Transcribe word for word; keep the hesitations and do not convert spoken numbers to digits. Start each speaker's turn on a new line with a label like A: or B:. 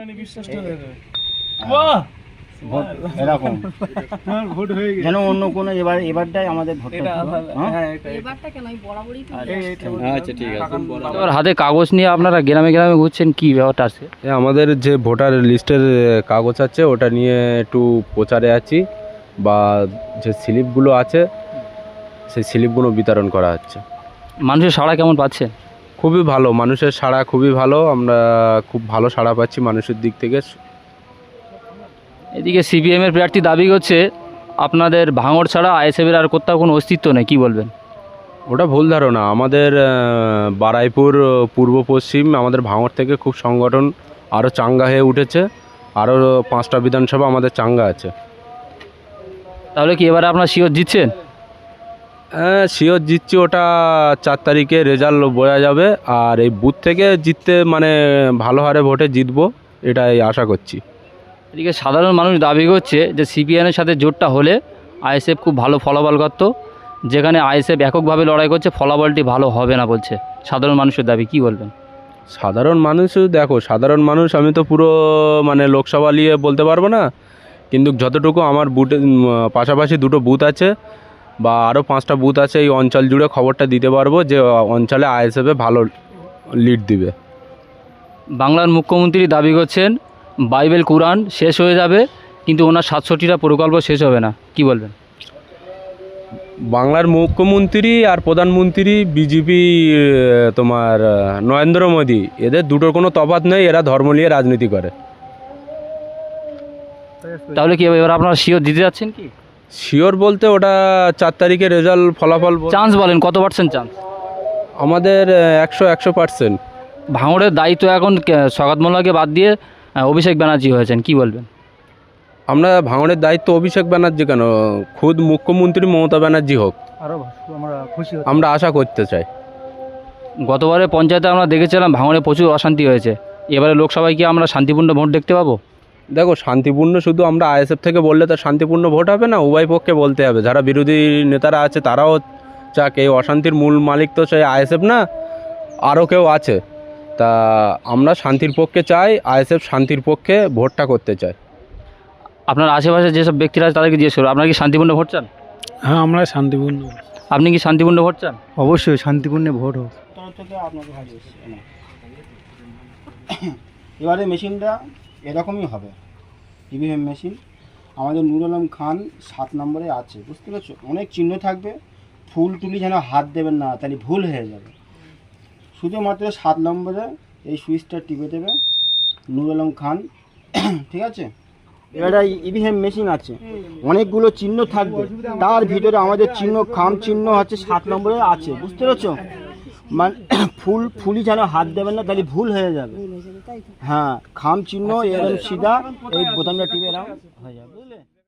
A: এরকম যেন অন্য কোনো এবার এবারটাই আমাদের ভোট।
B: আচ্ছা ঠিক আছে। এবার হাতে কাগজ নিয়ে আপনারা গ্রামে গ্রামে ঘুরছেন, কি ব্যাপারটা আছে?
C: আমাদের যে ভোটার লিস্টের কাগজ আছে ওটা নিয়ে একটু প্রচারে আছি, বা যে স্লিপগুলো আছে সেই স্লিপগুলো বিতরণ করা হচ্ছে।
B: মানুষের সাড়া কেমন পাচ্ছেন?
C: খুবই ভালো, মানুষের সাড়া খুবই ভালো, আমরা খুব ভালো সাড়া পাচ্ছি মানুষের দিক থেকে।
B: এদিকে সিপিএমের প্রার্থী দাবি করছে আপনাদের ভাঙড় ছাড়া আইএসএফের আর কোথাও কোনো অস্তিত্ব নেই, কি বলবেন?
C: ওটা ভুল ধারণা। আমাদের বারাইপুর পূর্ব পশ্চিম আমাদের ভাঙড় থেকে খুব সংগঠন আরও চাঙ্গা হয়ে উঠেছে, আরও পাঁচটা বিধানসভা আমাদের চাঙ্গা আছে।
B: তাহলে কি এবারে আপনার শিওর জিতছেন?
C: হ্যাঁ শিওর জিতছি, ওটা চার তারিখে রেজাল্ট বোঝা যাবে। আর এই বুথ থেকে জিততে মানে ভালো হারে ভোটে জিতবো এটাই আশা করছি।
B: এদিকে সাধারণ মানুষ দাবি করছে যে সিপিএমের সাথে জোটটা হলে আইএসএফ খুব ভালো ফলাফল করত, যেখানে আইএসএফ এককভাবে লড়াই করছে ফলাফলটি ভালো হবে না বলছে সাধারণ মানুষের দাবি, কি বলবেন?
C: সাধারণ মানুষ দেখো, সাধারণ মানুষ আমি তো পুরো মানে লোকসভা নিয়ে বলতে পারবো না, কিন্তু যতটুকু আমার বুথে পাশাপাশি দুটো বুথ আছে বা আরও পাঁচটা বুথ আছে, এই অঞ্চল জুড়ে খবরটা দিতে পারবো যে অঞ্চলে আইএসএফে ভালো লিড দিবে।
B: বাংলার মুখ্যমন্ত্রী দাবি করছেন বাইবেল কোরআন শেষ হয়ে যাবে কিন্তু ওনার সাতষট্টিটা প্রকল্প শেষ হবে না, কি বলবেন?
C: বাংলার মুখ্যমন্ত্রী আর প্রধানমন্ত্রী বিজেপি, তোমার নরেন্দ্র মোদী, এদের দুটোর কোনো তফাৎ নেই, এরা ধর্ম নিয়ে রাজনীতি করে।
B: তাহলে কি এবার আপনারা শিওর দিতে যাচ্ছেন? কি
C: শিওর বলতে ওটা চার তারিখে রেজাল্ট ফলাফল।
B: চান্স বলেন কত পার্সেন্ট চান্স?
C: আমাদের একশো একশো পার্সেন্ট।
B: ভাঙড়ের দায়িত্ব এখন সগাত মোল্লাকে বাদ দিয়ে অভিষেক ব্যানার্জি হয়েছেন, কি বলবেন?
C: আমরা ভাঙড়ের দায়িত্ব অভিষেক ব্যানার্জি কেন, খুদ মুখ্যমন্ত্রী মমতা ব্যানার্জি হোক, আমরা আশা করতে চাই।
B: গতবারে পঞ্চায়েতে আমরা দেখেছিলাম ভাঙড়ে প্রচুর অশান্তি হয়েছে, এবারে লোকসভায় কি আমরা শান্তিপূর্ণ ভোট দেখতে পাবো?
C: দেখো শান্তিপূর্ণ শুধু আমরা আইএসএফ থেকে বললে তো শান্তিপূর্ণ ভোট হবে না, উভয় পক্ষে বলতে হবে। যারা বিরোধী নেতারা আছে তারাও চাক, এই অশান্তির মূল মালিক তো সেই আইএসএফ না, আরও কেউ আছে। তা আমরা শান্তির পক্ষে চাই, আইএসএফ শান্তির পক্ষে ভোটটা করতে চাই।
B: আপনার আশেপাশে যেসব ব্যক্তিরা আছে তাদেরকে জিজ্ঞেস করবো, আপনারা কি শান্তিপূর্ণ ভোট চান?
D: হ্যাঁ আমরা শান্তিপূর্ণ।
B: আপনি কি শান্তিপূর্ণ ভোট চান?
D: অবশ্যই শান্তিপূর্ণ ভোট হোক।
A: এবারে মেশিনটা এরকমই হবে, ইভিএম মেশিন। আমাদের নুর আলম খান সাত নম্বরে আছে, বুঝতে পারছো? অনেক চিহ্ন থাকবে, ফুল তুলি যেন হাত দেবেন না, তাহলে ভুল হয়ে যাবে। শুধুমাত্র সাত নম্বরে এই সুইচটা টিপে দেবে নুর আলম খান, ঠিক আছে? এবারে ইভিএম মেশিন আছে, অনেকগুলো চিহ্ন থাকবে, তার ভিতরে আমাদের চিহ্ন খাম চিহ্ন হচ্ছে সাত নম্বরে আছে, বুঝতে পারছো? মানে ফুল ফুলি যেন হাত দেবেন না, তাহলে ভুল হয়ে যাবে। হ্যাঁ খাম চিহ্ন এরকম সিধা এই বোতামটা টিপে এরকম হয়ে যাবে, বুঝলে?